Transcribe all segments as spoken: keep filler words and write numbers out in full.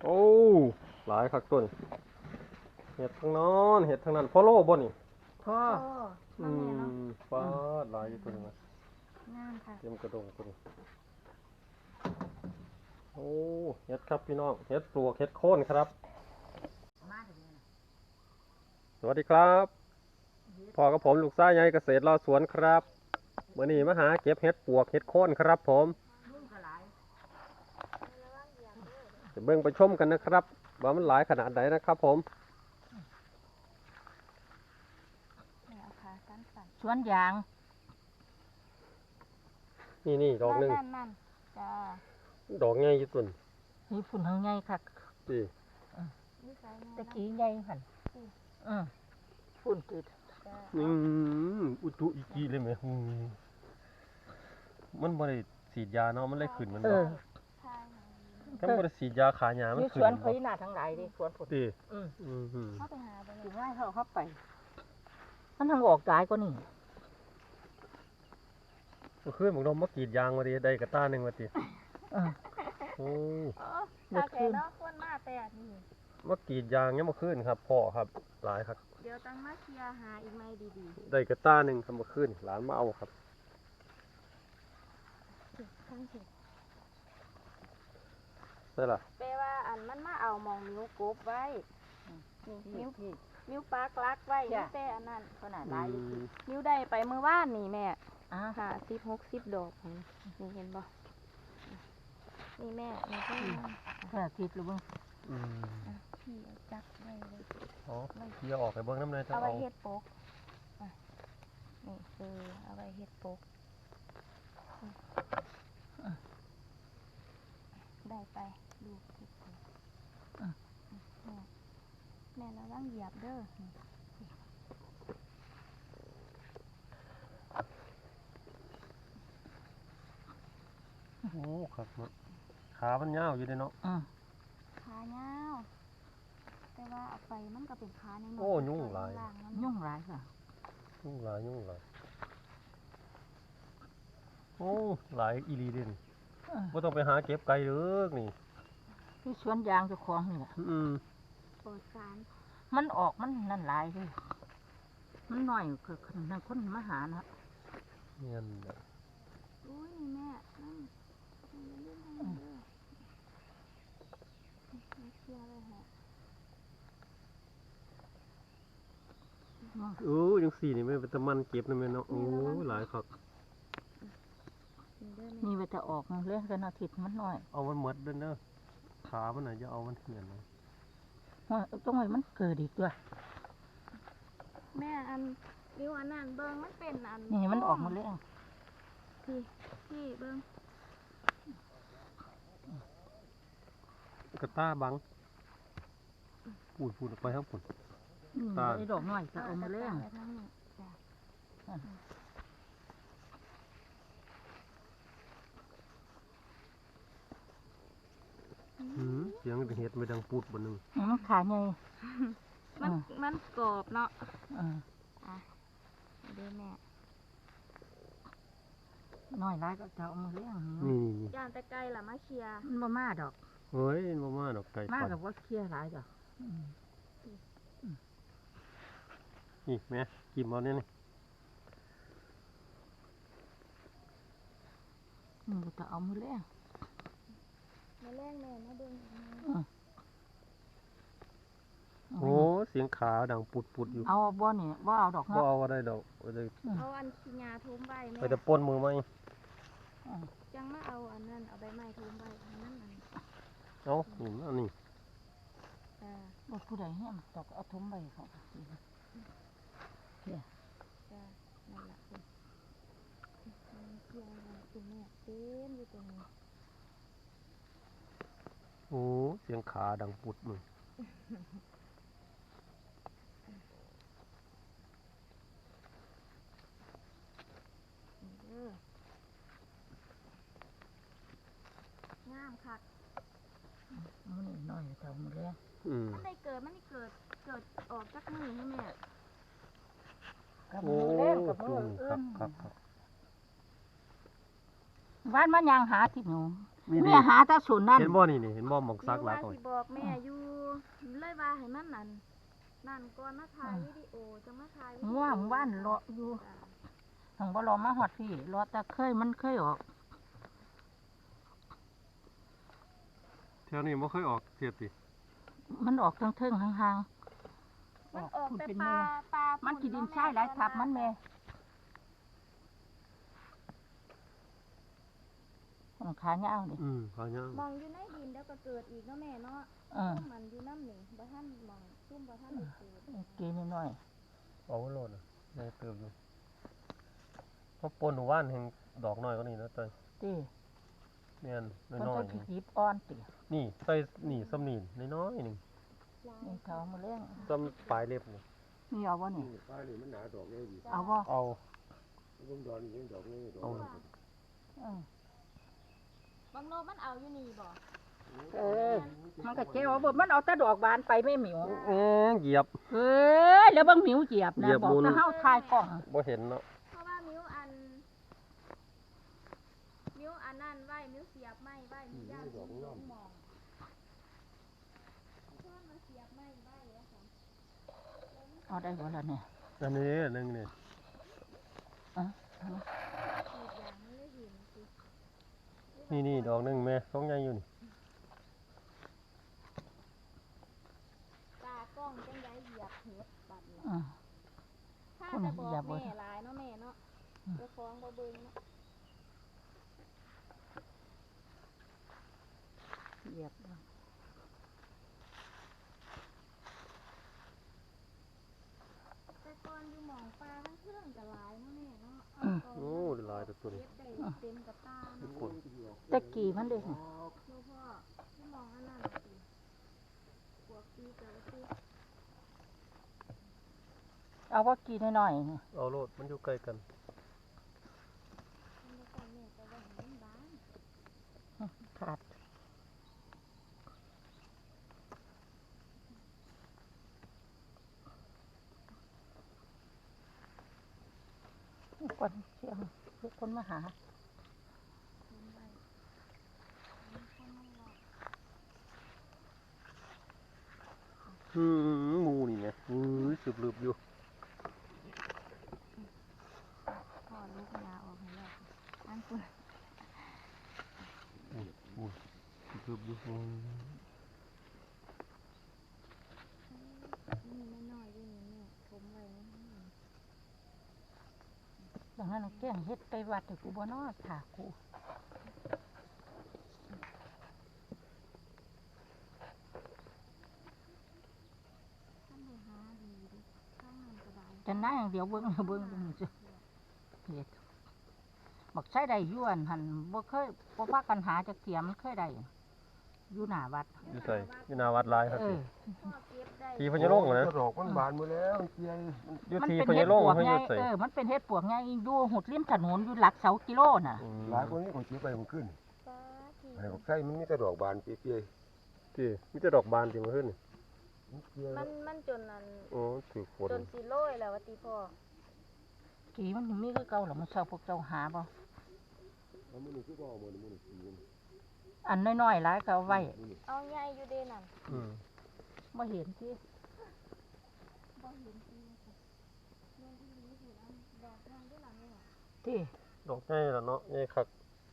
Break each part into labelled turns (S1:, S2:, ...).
S1: โอ้หลายคักต้นเห็ดทั้งนอนเห็ดทั้งนั้นพอโลบ่นี่
S2: พ่อ
S1: อืมฟ้าหลายอยู่ตัวนี้นะ
S2: งามค่ะ
S1: เตรียมกระดงตัวนี้โอ้เห็ดครับพี่น้องเห็ดปลวกเห็ดโค่นครับสวัสดีครับพ่อกับผมลูกชายใหญ่เกษตรรอสวนครับวันนี้มาหาเก็บเห็ดปลวกเห็ดโค่นครับผมจะเบิ่งไปชมกันนะครับว่ามันหลายขนาดไหนนะครับผม
S2: สวนยาง
S1: นี่นี่ดอกหนึ่ง
S2: นั่นจ้า
S1: ดอกใหญ่ยี่ตุน
S2: นี่ฝุ่นทางใหญ่ค่ะ
S1: ดี
S2: ตะกี้ใหญ่หันอืมฝุ่นติด
S1: อืมอุตุอีกีเลยไหมมันบริสีดยาเนาะมันเลยขึ้นมันบ่ถ้าบริสีดยาขาหยามันขึ้น
S2: สวนเขาหน้าทั้งหลายดิสวนฝุ่น
S1: ดี
S2: อืม
S1: อืม
S2: เข้าไปหาไปง่ายเข้าเข้าไปมันทางออกกายก็นี่
S1: เมื่อคืนผมลงมากรีดยางมาดิได้กระต้าหนึ่งมาดิโอ้
S2: เมื่อคืนเนาะคนมาแต่นี่
S1: มากรีดยางเนี่ยเมื่อคืนครับพ่อครับหลายครับ
S2: เดี๋ยวตั้งมาเคลียร์หาอีกไหมดี
S1: ๆได้กระต้าหนึ่งครับเมื่อคืนหลานมาเอาครับใช่ล่ะ
S2: แปลว่าอันมันมาเอามองนิ้วกบไว้นิ้วนิ้วปากลักไว้นิ้วแต่อันนั้นขนาดลายนิ้วได้ไปเมื่อวานนี่แม่อ่าค่ะสิบหกสิบดอกนี่เห็นบ่นี่แม่นี่ก็แค่คิดหรือเปล่าพี่เอาจักไว้เลย
S1: อ๋อพี่เอาออกไปเบิ้งน้ำในจะเอา
S2: เอาไว้เฮ็ดโป๊กนี่คือเอาไว้เฮ็ดโป๊กได้ไปดูแม่เราต้องเหยียบเด้อ
S1: โอ้ครับขามันยาวอยู่เลยเนาะ
S2: ขายาวแต่ว่าเอาไปมันก็เป็นขาในหม
S1: โอ้ยุ่งหลาย
S2: ยุ่งหลายค่ะ
S1: ยุ่งหลายยุ่งหลายโอ้หลายอีลีเด่นไม่ต้องไปหาเก็บไก่หรือนี่
S2: ที่สวนยางเจ้าของนี่แหละ
S1: อืม
S2: ปลอดสารมันออกมันนั่นหลายเลยมันหน่อยคือนั่นคนมาหานะ
S1: เงี้ยนะ
S2: อุ้ยแม่นั่น
S1: โอ้ยังสี่นี่ไม่เป็นตะมันเก็บนะแม่เนาะโอ้หลายครับ
S2: นี่ไปจะออกเรื่องกันอาทิตย์มันหน่อย
S1: เอามันหมดเด้อเนอะขามันไหนจะเอามันเหี่ยนเลย
S2: ต้องให้มันเกิดอีกด้วยแม่อันนิ้วอันนั้นเบิ้งมันเป็นอันนี่มันออกมาเรื่องพี่พี่เบิ้ง
S1: กระต้าบังปูดปูดออกไปครับผม
S2: ตาไอ้ดอกหน่อยจะเอามาเรื่อง
S1: เสียงเห็ดไม่ดังปูดบนหนึ่ง
S2: มันขาไงมันมันกรอบเนาะอ่ะดูแม่น้อยร้ายก็จะเอามาเลี้ยง
S1: นี่
S2: ย่างแต่ไก่ละมาเคลียร์มันบ่มาดอก
S1: เฮ้ยบ่มาดอกไก่
S2: มากับว่าเคลียร์หลายดอก
S1: นี่แม่กินเอาเนี่ยนี่
S2: มันจะเอามาเลี้ยงมาเลี้ยงแม่มาเบิ่ง
S1: โอ้เสียงขาดังปุดปุดอยู่
S2: เอาบ่เนี่ยว่าเอาดอก
S1: ว่าเอาอะไรดอก
S2: เอาอันขี้ยาทุ่มใบแม่
S1: ไปแต่ป้นมือไหม
S2: จังมาเอาอันนั้นเอาใบไม้ทุ่มใบอันนั้นอัน
S1: เอาหนึ่งอันนี้
S2: บ่ผู้ใดเนี่ยดอกเอาทุ่มใบเขาเนี่ยนั่นแหละคุณเกี่ยวคุณแม่เต็มอยู่ตรงนี้
S1: โอ้เสียงขาดังปุดมือ
S2: คักมันนี่น้อยเท่ามันเลยมันได้เกิดมันได้เกิดเกิดออกจากมือให้แม่กับมือเล่นกับมือเอื้อมบ้านมันยางหาที่หนู
S1: มีดี
S3: แม่หาแตาศูนย์นั่น
S1: เห็นบ่นี่นี่เห็นบ่หมองซักหลาย
S2: ว่า
S1: ก่อน
S2: สิบอกแม่อยู่เลยว่าให้มันนั่นนั่นก่อนมาถ่ายวิดีโอจะมาถ่ายวิดีโอ
S3: ง่วงว่านเลาะอยู่
S2: จ้ะ
S3: หังบ่รอมาฮอดพี่รอแต่เคยมันเคยออก
S1: แถวนี้บ่เคยออกเทียบติ
S3: มันออกทั้งเทิงๆห่างๆ
S2: มันออก
S3: พุ่น
S2: แต่
S3: เป็น
S2: ป
S3: แม่
S2: ลาปลา
S3: มัน
S2: พุ่
S3: กี่ดิน
S2: เาะ
S3: ทรายหลายทับมันแม่มันขาเงาวนี่
S1: อืมเขายัง
S2: มองอยู่ในดินเดี๋ยวก็เกิดอีกเนาะแม่เนาะ
S3: เออ
S2: ซุ่มมันอยู่น้ำหนึ่งบ่ท่านมองซุ่มบ่ท่านได้เกิด
S3: กินน้อย
S1: เอาไว้โลดน่ะยังเติบอยู่เพราะปนหมู่บ้านแห่งดอกน้อยกว่านี้นะเต้ย
S3: ๆติ
S1: แม่น
S3: มัน
S1: น้อ
S3: จะ
S1: ยๆนี่
S3: หยิบอ่อนติ
S1: นี่ใส่นี่ซ้ำนี่น้อยๆหนึง
S3: นี่เขามาเลี้ยง
S1: ซ้ำปลายเล็บนี่
S3: นี่เอาบ่นี่
S4: ป้านี่มันหนาดอกเลยดิ
S3: เอาบ่
S1: เอา
S4: ลุงดอนนี่ยังดอกนี่ดอก
S1: เอา
S3: เออบ
S2: างโลมันเอาอยู่นี่บ่
S3: เออมันก็แก้วบ่มันเอาแต่ดอกบานไปไม่หมิว
S1: เอ๊ะเหยียบ
S3: เอ้ยแล้วเบิ่งหมิวเหยียบ
S1: เห
S3: นะ
S1: ยียบ
S3: บอก
S1: มุน
S3: จะเฮาทายกล้อง
S1: บ่เห็นเนาะ
S2: เพราะว่ามิ้วอันมิ้วอันนั่นไว้มิ้วเสียบไม้ไว้มิ้วย่างมิ้วหลงมองเพิ่นมาเสียบไม้ไว้แล้วค่ะ
S3: เอาได้บ่ล่ะเนี่ย
S1: อันนี้หนึงนี่
S3: อ่ะ
S2: อีกอย่างมันเลยเห็นสิ
S1: นี่นี่ดอกหนึงแม่สองใหญ่อยู่นี่
S2: ตากล้องจังไดเหยียบเห็ดบัดนี้
S3: อ่ะ
S2: ถ้า
S3: คน
S2: จะบอก
S3: เหยียบบ่
S2: แม่หลายเนาะแม่เนาะเจ้าของบ่เบิ่งเนาะ
S3: เหยียบบ่
S2: แต่ก่อนอยู่หมองปลาทั้งเครื่องก็หลายเนาะแม่เนาะ
S1: โอ้ได้หลายแต่ตัวนี้
S2: เฮ็ดได้เต็มกับตาเนาะ
S1: คน
S3: แต่กี่มันเด้
S2: หลวงพ่อที่มองอันนั้นน่ะสิพวกปีกะสิ
S3: เอาว่ากี่น้อยๆนี่
S1: เอาโลดมันอยู่ใกล้กัน
S2: มันบ่ต้องแม่ก็ว่าให้มันบาน
S3: ขาดคนเชียงทุกคนมาหา
S2: มันไว้มันคนมันหลอก
S1: อืมหมูนี่ไงอือสืบลืบอยู่
S2: ถอดลูกยาออกให้แล้วอันคุณ
S1: สืบลืบอยู่อืม
S2: นี่น้อยๆอยู่นี่แม่ผมไว้นะ
S3: ดังนั้นแกล้งเฮ็ดไปวัดให้กูบ่นอถากู
S2: ท่านไปหาดีดิข้างนั้นก็ได้
S3: แต่หน้าอย่างเดียวเบิ่งเบิ่งเบิ่งจ้ะเฮ็ดบักใช้ได้อยู่อันหันบ่เคยบ่พากันหาจักเที่ยมันเคยได้อยู่หน้าวัด
S1: อยู่ใส่อยู่หนาวัดหลายครับ
S3: เออ
S2: พ่อเก็บได้
S1: ทีพญาโลงนะ
S4: ดอกมันบานหมดแล้วเจีย
S1: อยู่
S3: มัน
S1: ที
S3: เป็น
S1: พ
S3: เฮ็
S1: ญา
S3: ด
S1: โลง
S3: ปวก
S1: เขา
S3: ไง
S1: อยู่ใส่
S3: เออมันเป็นเฮ็ดปวกไงอยู่หุดริมถนนอยู่หลักเสากิโลน่ะ
S1: อืม
S4: หลายคนนี้ของเจียไปมันขึ้น
S2: ป้าที่
S4: ไอ้บอกไส้มันมีแต่ดอกบานเปีย
S1: ที่มีแต่ดอกบานจริงมาขึ้นนี่
S4: ๆเจีย
S2: มันมันจนนั้น
S1: โอ้ถือฝน
S2: จนสิโรยแล้วว่าติพ่อ
S3: กี่มันมีคือเก่าหรอมันเศร้าพวกเจ้าหาบ่
S4: แล้วมันนี่คือบ่เอาหมดมันนี่สีมัน
S3: อันน้อยๆหลายก็เอาไว้
S2: เอาใหญ่อยู่เด้นั่น
S1: อืม
S3: บ่เห็นที่
S2: บ่เห็นจริงค่ะแม่นอีหลีสิอันดอกทางด้วยล่ะแม่
S3: ที่
S1: ดอกใหญ่ละเนาะใหญ่คัก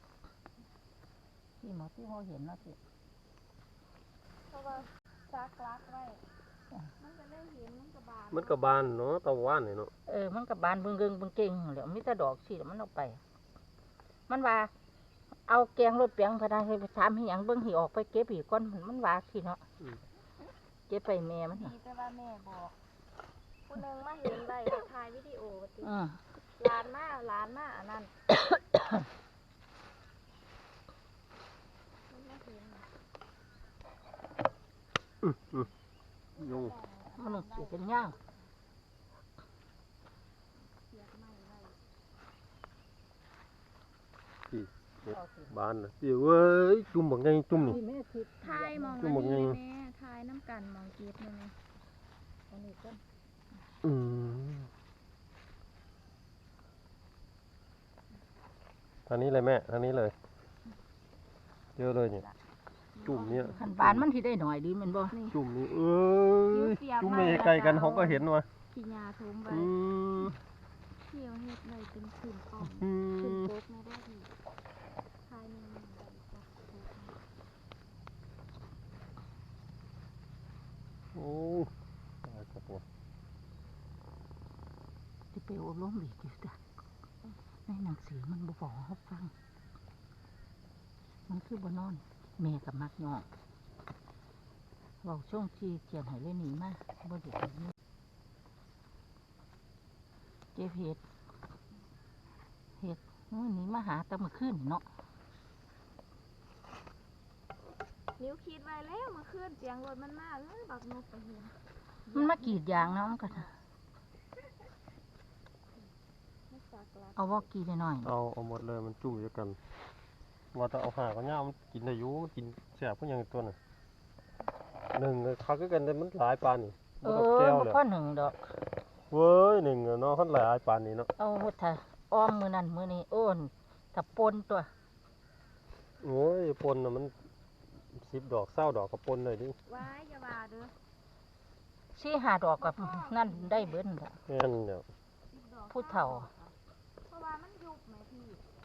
S3: ที่หมอที่เขาเห็นเนาะที่
S2: เพราะว่าซักลักไว้มันก็เลยเห็นมันก็บาน
S1: มันก็บานเนาะตะวันนี่เนาะ
S3: เออมันก็บานเบิ่งเกิงเบิ่งเก่งแหล้วมีแต่ดอกสิแล้วมันเอาไป มันว่า เอาแกงรถเปียงพะนาให้ไปถามให้หยังเบิ่งให้ออกไปเก็บอีกก่อนมันว่าสิเนาะเก็บไปแม่มัน
S2: ดี
S3: น่ะ
S2: แต่ว่าแม่บอกผู้หนึงมาเห็นไว้ให้ถ่ายวิดีโอว่าติ
S3: อือ
S2: หลานมาหลานมาอันนั้นมันมาเห็นน่ะ
S1: อืมอืมยุง
S3: มันเสียเป็นย่าง
S2: เสียบไม้ไว้
S1: ที่บานน่ะที่เว้ยจุ่มบักใหญ่จุ่มนี่
S3: นี่แม่คิด
S2: ถ่ายมอง
S1: ชั่
S2: อั
S1: วน โมง
S2: นี้
S1: ยัง
S2: แม่ถ่ายน้ำกันมองเก็บนั่นแม่
S3: อันนี้ก็
S1: อืมทางนี้เลยแม่ทางนี้เลยเยอะเลยเนี่ยจุ่มเนี่ย
S3: ขันบานมันที่ได้หน่อยดีแมันบ่
S2: นี่
S1: จุ่มนี่เอ้ย
S2: เสียบ
S1: จุ่ม
S2: มา
S1: เม
S2: แล้ว
S1: ไกลกัน
S2: จะเอา
S1: เขาก็เห็นว่ะ
S2: ขี้ยาทุ่มไป
S1: อืม
S2: เที่ยวเฮ็ดเลยเป็นขืนกล่อง
S1: อื
S2: ขืน
S1: ม
S2: โป๊กไม่ได้ดีภายในหนึ่งใบจ้ะโป๊กนะ
S1: โอ้ตายครับผม
S3: ที่ไปอบรมอีกอยู่จ้ะในหนังสือมันบ่บอกให้ฟัง มันคือบ่นอน แม่กับมักยอกเว้าช่วงที่เขียนให้เลยหนีมาบ่ได้ไปนี่เจ็บเห็ดเห็ดมื้อนี้มาหาแตะมื้อคืนเนาะ
S2: นิ้วคิดไว้แล้วเมื่อคืนเสียงรถมันมาเอ้ยบักนกไปเห็น
S3: มันมากรีดยางเนาะมันก็
S2: ไม่สักละ
S3: เอาว่ากรีดหน่อย
S1: เอาเอาหมดเลยมันจุ่มอยู่กันว่าแต่เอาหาก็ย่ามันกินได้อยู่มันกินแสบพวกอย่างตัวน่ะหนึ่งเลยคักคือกันแต่มันหลายปานนี่
S3: ๆเอ
S1: บ่ต้อง
S3: อ
S1: แก้ว
S3: บ่
S1: เลย
S3: พอหนึ่งดอก
S1: เว้ยหนึ่งอะเนาะคันหลายปานนี้เนาะ
S3: เอาถ้าอ้อมมือนั่นมือนี้โอ้นถ้าปนตัว
S1: โอ้ยปนน่ะมันสิบดอกเศร้าดอกก็ปนเลยดิ
S2: ว้ายอย่าว่าเด้อ
S3: สี่ห้าดอกกับนั่นได้เบิ้นละ
S1: แม่นเดี๋ยว
S2: สิบดอก
S3: ผู้เฒ่า
S2: เพราะว่ามันยุบไหมพี่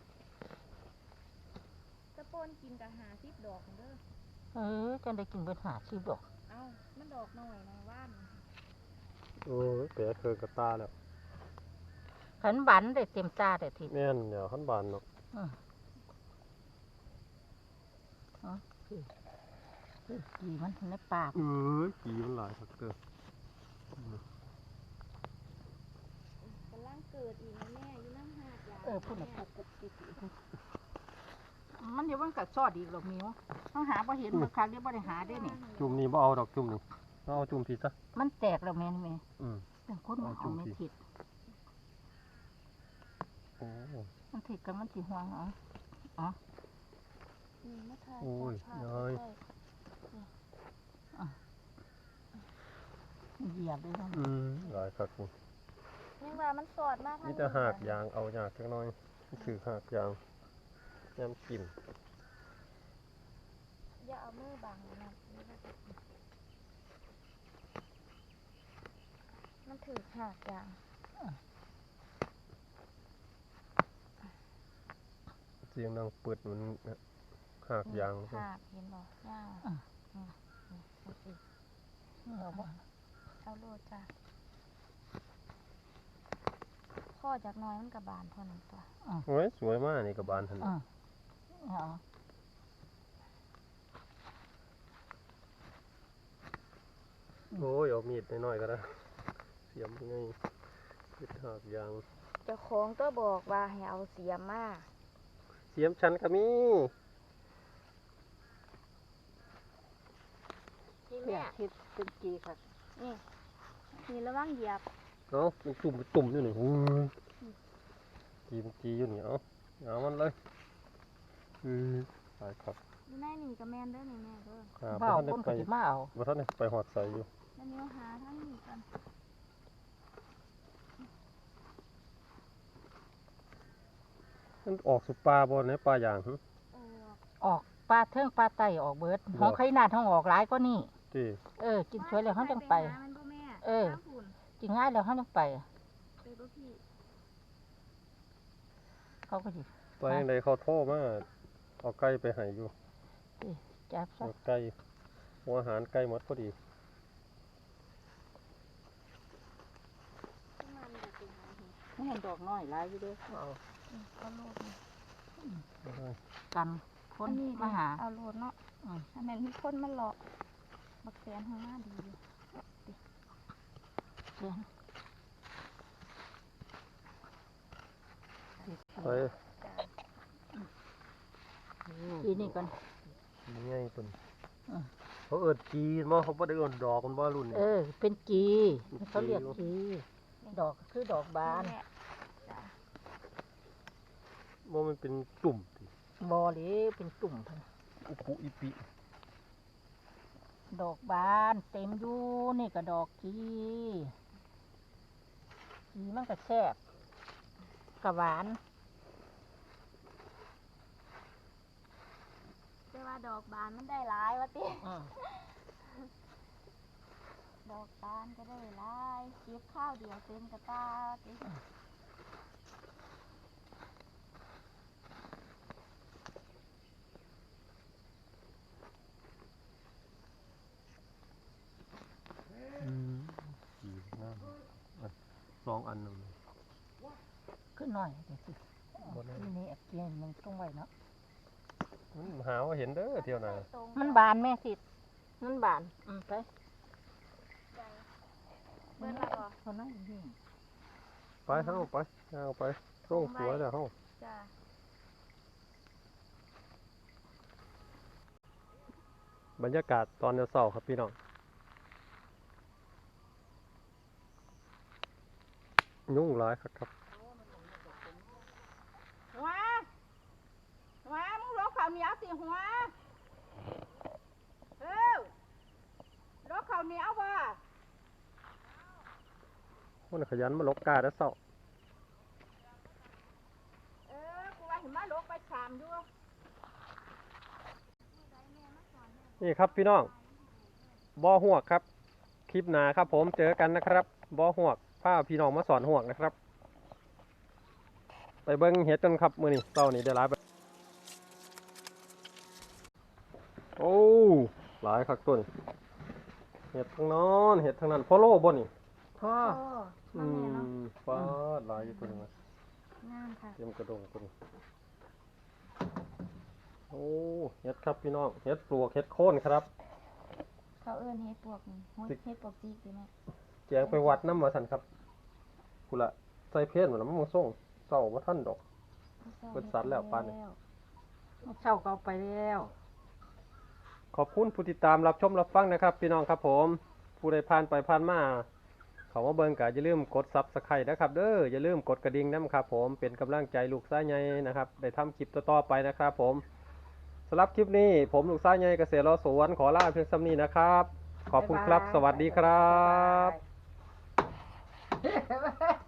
S2: ตะโปนกินกับหาสิบดอกเด้อ
S3: เออจังได้กินเบิ้นหาสิบดอก
S2: เอ้ามันดอกหน่อยนะว่าน
S1: โอ้ยแผลเคืองกระตาแล้ว
S3: ขันบันได้เต็มตาได้ที
S1: แม่นเดี๋ยวขันบานเนาะ
S3: ดีมันในปาก
S1: เอ้ยกีมันหลายคักเด้อก
S2: ำลังเกิดอีกนะแม่อยู่น้ำหาดยา
S3: เออพูดน่ะปุ๊บปุ๊บปุ๊บปุ๊บมันเดี๋ยวมันกัดซอดอีกหรอกมิวต้องหาพอเห็นเมื่อครั้งเดี๋ยวบ่ได้หาได้นี่
S1: จุ่มนี่บ่เอาดอกจุ่มนี่เอาจุ่มผิดซะ
S3: มันแตกแล้วแม่นแม่
S1: อืม
S3: เป็นคนมันเอาไม่ผิด
S1: โอ้
S3: มันผิดกันมันสิห่วงเหรอ
S2: นี่มาทาย
S1: โอ้ย
S2: ผ่า
S1: น้อย
S2: ใกล้
S3: เหยียบเลยนะ
S1: อืมหลายคักนี่
S2: ๆยังว่ามันสอดมาก
S1: นี่จะหากยางเอายากจักหน่อยนี่คือหากยางยามกิน
S2: อย่าเอามือบังนะมันถือหากอย่าง
S1: เสียงดังเปิดมันหากยาง
S2: หากเห็นบ่ย่างอืมนี่ดูสิ
S3: เอาบ่
S2: เอาโลดจ้ะข้อจากหน้อยมันกับบานเท่านั้นตัว
S1: โอ้ยสวยมากนี่กับบานทัน
S3: อ่าเอา
S1: โอ้ยเอามีดน้อยๆก็ได้เสียมยังไงปิดหากยาง
S2: เจ้าของก็บอกว่าให้เอาเสียมมา
S1: เสียมชันก็มี
S2: นี่
S3: เพื่อ
S2: แม่
S3: คิดเป็นจีค่ะ
S2: นี่นี่ระวังเหยียบ
S1: เอ้ามันตุ่มเป็นตุ่มอยู่นี่โอ้ยจีมันจีอยู่นี่เอ้าเอามันเลยอือตายครับ
S2: อยู่ในนี่กับแมนเด้อนี่แม่เด้อ
S1: ครับ
S3: ว่าเอา
S1: บ่
S3: คน
S1: ทัน
S3: ก็
S1: ได้
S3: สิ
S1: ไป
S3: มาเอา
S1: บ่ทันได้ไปหอดใส่อยู่
S2: แล้วนิ้วหาทั้งนี้กัน
S1: มันออกสุปลาบ่ในปลาอย่างหึ
S2: เออ
S3: ออกปลาเทิงปลาไตออกเบิดห้องไข่นาดห้องออกหลายก็นี่
S1: ติ
S3: เออ กินสวยแล้วเขาจังไป
S2: หามันบ่แม่
S3: เออ
S2: ข้างฝุ่น
S3: กินง่ายแล้วเขาจังไป
S2: ไปบ่พี่
S3: เขาก็สิ
S1: ไปจังไดเขาโทรมาเอาไก่ไปให้อยู่
S3: จับซะ
S1: เอาไก่หัวอาหารไก่หมดพอดี
S2: ขึ้นมามันอยากไปหาเห็ด
S3: ไม่เห็นดอกน้อยหลายอยู่เด้อเอา
S2: อืมเอาโลดนี่
S3: กันคน
S2: อันนี้
S3: มาหา
S2: เอาโลดเนาะ
S3: อืม
S2: อันนั้นมีคนมาหลอกบักแสนข้างหน้าดีอยู่
S3: เสียง
S1: ไป
S2: จ้า
S3: ทีนี่กัน
S1: นี่ไงเพิ่น
S3: อืม
S1: เขาเอิ้นจีนบ่เขาบ่ได้เอิ้นดอกมันบ่รุ่นนี้
S3: เออ เป็นจีเขาเรียกจีดอกก็คือดอกบาน
S2: แม่จ้า
S1: บ่มันเป็นตุ่มติ
S3: บอหรือเป็นตุ่มพุ่น
S1: อุปุอิปิ
S3: ดอกบานเต็มอยู่นี่ก็ดอกจีจีมันก็แซ่บกะหวาน
S2: เจ้าว่าดอกบานมันได้หลายวะติ
S3: อืม
S2: ดอกบานก็ได้หลายเก็บข้าวเดียวเต็มกระตาติ
S1: อืมสีน้ำอ่ะสองอันหนึ่ง
S3: ขึ้นหน่อยเดี๋ยวสิ
S1: บนนั้น
S3: ทีนี้เกียนมันต้องไว้เนาะ
S1: มันหาว่าเห็นเด้อเที่ยวหนา
S2: ตรง
S3: มันบานแม่สิมันบานอืมไป
S2: ใจเบิ่นละบ่
S3: คนนั้นนี่
S1: ไปเฮ้าไปเอาไปส่งสวยแล้วเฮ้า
S2: จ้ะ
S1: บรรยากาศตอนเช้าๆครับพี่น้องยุ่งหลายครับครับ
S3: หัวหัวมึงรกข้าวเหนียวสิหัวเอ้ารกข้าวเหนียวบ่
S1: คนขยันมาลกกาแล้วเช้า
S3: เออกูว่าเห็นมารกไปชามอยู่
S1: นี่ครับพี่น้องบ่อหวกครับคลิปหนาครับผมเจอกันนะครับบ่อหวกพาพี่น้องมาสอนหวกนะครับ ไปเบิ้งเห็ดกันครับมื้อนี้เช้านี้ได้หลายไปโอ้หลายคักต้นเห็ดทั้งนอนเห็ดทั้งนั้นพอโลบ่นี่
S3: พ่อ
S2: โอ้
S1: อื
S2: มาแม่เนาะ
S1: มฟ้าดหลายอยู่ตัวนี้มา
S2: งามค่ะ
S1: เตรียมกระดงตัวนี้โอ้เห็ดครับพี่น้องเห็ดปลวกเห็ดโคนครับ
S2: เขาเอิ้นเฮ็ดปวกนี่โหยเฮ็ดปวกจีกดีแม่
S1: แจงไปวัดน้ำมาสันครับกูละใส่เพชรเหมือนมันมาส่งเศร้าว่าท่านดอก เบิดสัตว์แล้วปานนี้
S3: เช่าก็เอาไปแล้ว
S1: ขอบคุณผู้ติดตามรับชมรับฟังนะครับ พี่น้องครับผมผู้ใดผ่านไปผ่านมาเขามาเบิ่งก็อย่าลืมกดซับสไครต์นะครับเด้ออย่าลืมกดกระดิ่งนะครับผมเป็นกำลังใจลูกซ้ายใหญ่นะครับได้ทำคลิปต่อๆไปนะครับผมสำหรับคลิปนี้ผมลูกซ้ายใหญ่เกษตรรอสวนขอลาเพียงสำนี้นะครับ ขอบคุณครับ สวัสดีครับ
S3: บ๊ายบาย